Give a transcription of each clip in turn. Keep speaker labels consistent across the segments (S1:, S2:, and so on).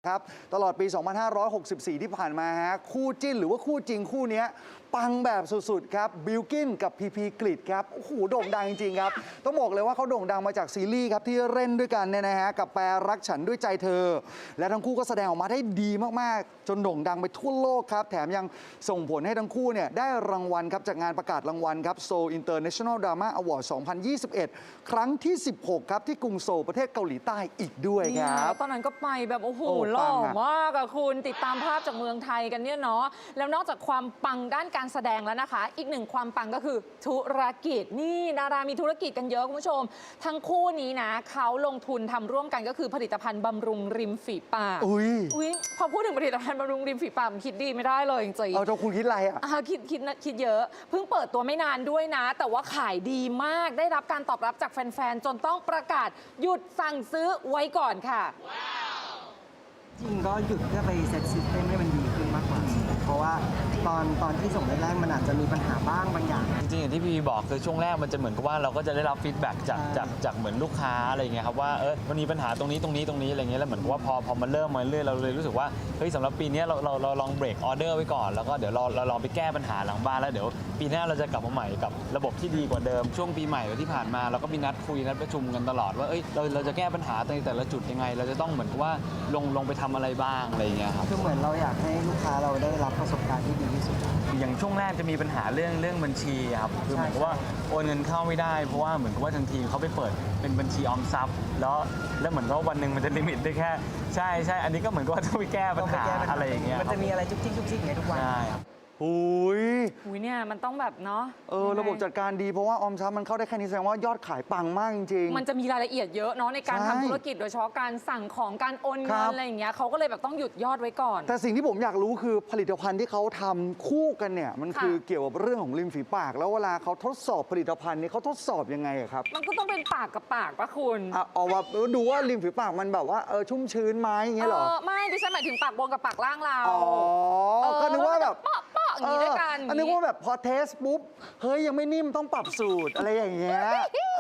S1: ครับตลอดปี 2564 ที่ผ่านมาฮะคู่จิ้นหรือว่าคู่จริงคู่นี้ปังแบบสุดๆครับบิลกินกับพีพีกฤษครับโอ้โหโด่งดังจริงๆครับต้องบอกเลยว่าเขาโด่งดังมาจากซีรีส์ครับที่เล่นด้วยกันเนี่ยนะฮะกับแปรรักฉันด้วยใจเธอและทั้งคู่ก็แสดงออกมาได้ดีมากๆจนโด่งดังไปทั่วโลกครับแถมยังส่งผลให้ทั้งคู่เนี่ยได้รางวัลครับจากงานประกาศรางวัลครับ Seoul International Drama Award 2021 ครั้งที่ 16 ครับที่กรุงโซลประเทศเกาหลีใต้อีกด้วยครับ
S2: ตอนนั้นก็ไปแบบโอ้โห
S1: โอ้
S2: หล่อ
S1: ปังอะ
S2: มากอะคุณติดตามภาพจากเมืองไทยกันเนี่ยเนาะแล้วนอกจากความปังด้านการแสดงแล้วนะคะ อีกหนึ่งความปังก็คือธุรกิจนี่ดารามีธุรกิจกันเยอะคุณผู้ชม ทั้งคู่นี้นะเขาลงทุนทำร่วมกันก็คือผลิตภัณฑ์บำรุงริมฝีปาก
S1: อุ้ย
S2: พอพูดถึงผลิตภัณฑ์บำรุงริมฝีปากมันคิดดีไม่ได้เลยจริงๆ
S1: เอาเจ้าคุณคิดอะไรอ่ะ
S2: คิดเยอะเพิ่งเปิดตัวไม่นานด้วยนะ แต่ว่าขายดีมากได้รับการตอบรับจากแฟนๆ จนต้องประกาศหยุดสั่งซื้อไว้ก่อนค่ะ
S3: จริงก็หยุดเพื่อไปเซตซิสเต็มให้มันดีขึ้นมากกว่า เพราะว่าตอนที่ส่งแรกๆมันอาจจะมีปัญหาบ้างบางอย่าง
S4: จริงๆอย่างที่พี่บอกคือช่วงแรกมันจะเหมือนกับว่าเราก็จะได้รับฟีดแบ็กจากเหมือนลูกค้าอะไรอย่างเงี้ยครับว่ามันมีปัญหาตรงนี้อะไรเงี้ยแล้วเหมือนกับว่าพอมันเริ่มมาเรื่อยเราเลยรู้สึกว่าเฮ้ยสำหรับปีนี้เราลองเบรกออเดอร์ไว้ก่อนแล้วก็เดี๋ยวเราลองไปแก้ปัญหาหลังบ้านแล้วเดี๋ยวปีหน้าเราจะกลับมาใหม่กับระบบที่ดีกว่าเดิมช่วงปีใหม่ที่ผ่านมาเราก็มีนัดคุยนัดประชุมกันตลอดว่าเราจะแก้ปัญหาในแต่ละจุดยังไง เราจะต้องเหมือนกับว่าลงไปทำอะไรบ้างอะไรอย่างเงี้ยครับ
S3: คือเหมือนเราอยากให้ลูกค้าเราได้รับประสบการณ์ที่ดีที่สุด
S4: อย่างช่วงแรกจะมีปัญหาเรื่องบัญชีครับคือเหมือนกับว่าโอนเงินเข้าไม่ได้เพราะว่าเหมือนกับว่าทางทีมเขาไปเปิดเป็นบัญชีออมทรัพย์แล้วเหมือนว่าวันหนึ่งมันจะลิมิตได้แค่ใช่อันนี้ก็เหมือนกับว่าต้องไปแก้ปัญหาอะไรอย่างเงี้ย
S3: มันจะมีอะไรจุกจิกอย่างเงี้ยทุกวัน
S4: ใช่ครับ
S1: หุย
S2: อุ้ยเนี่ยมันต้องแบบเนาะยังไง
S1: ระบบจัดการดีเพราะว่าออมทรัพย์มันเข้าได้แค่นี้แสดงว่ายอดขายปังมากจริง
S2: มันจะมีรายละเอียดเยอะเนาะในการ
S1: ใช่
S2: ทำธุรกิจโดยเฉพาะการสั่งของการโอน
S1: ครั
S2: เงิน
S1: บ
S2: อะไรอย่างเงี้ยเขาก็เลยแบบต้องหยุดยอดไว้ก่อน
S1: แต่สิ่งที่ผมอยากรู้คือผลิตภัณฑ์ที่เขาทำคู่กันเนี่ยมัน
S2: ค่ะ
S1: คือเกี่ยวกับเรื่องของริมฝีปาก แล้วเวลาเขาทดสอบผลิตภัณฑ์นี้เขาทดสอบยังไงอะครับ
S2: มันก็ต้องเป็นปากกับปากปะคุณ
S1: เอาว่าดูว่าริมฝีปากมันแบบว่าชุ่มชื้นไหมอย่างเงี้ยเหรอ
S2: ไม่ดิฉันหมายถึงปากบนกับปากล่างเรา
S1: อ๋อก็นึกว่าแบบ
S2: เปาะอย่างนี้ด้วยกัน
S1: อันนึกว่าแบบพอเทสปุ๊บเฮ้ยยังไม่นิ่มต้องปรับสูตรอะไรอย่างเงี้ย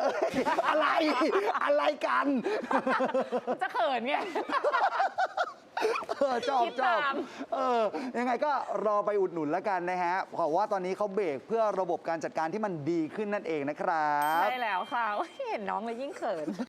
S1: อะไรกัน
S2: จะเขินไง
S1: ชอบ
S2: คิดตาม
S1: ยังไงก็รอไปอุดหนุนแล้วกันนะฮะเพราะว่าตอนนี้เขาเบรกเพื่อระบบการจัดการที่มันดีขึ้นนั่นเองนะครับ
S2: ใช่แล้วค่ะเห็นน้องเลยยิ่งเขิน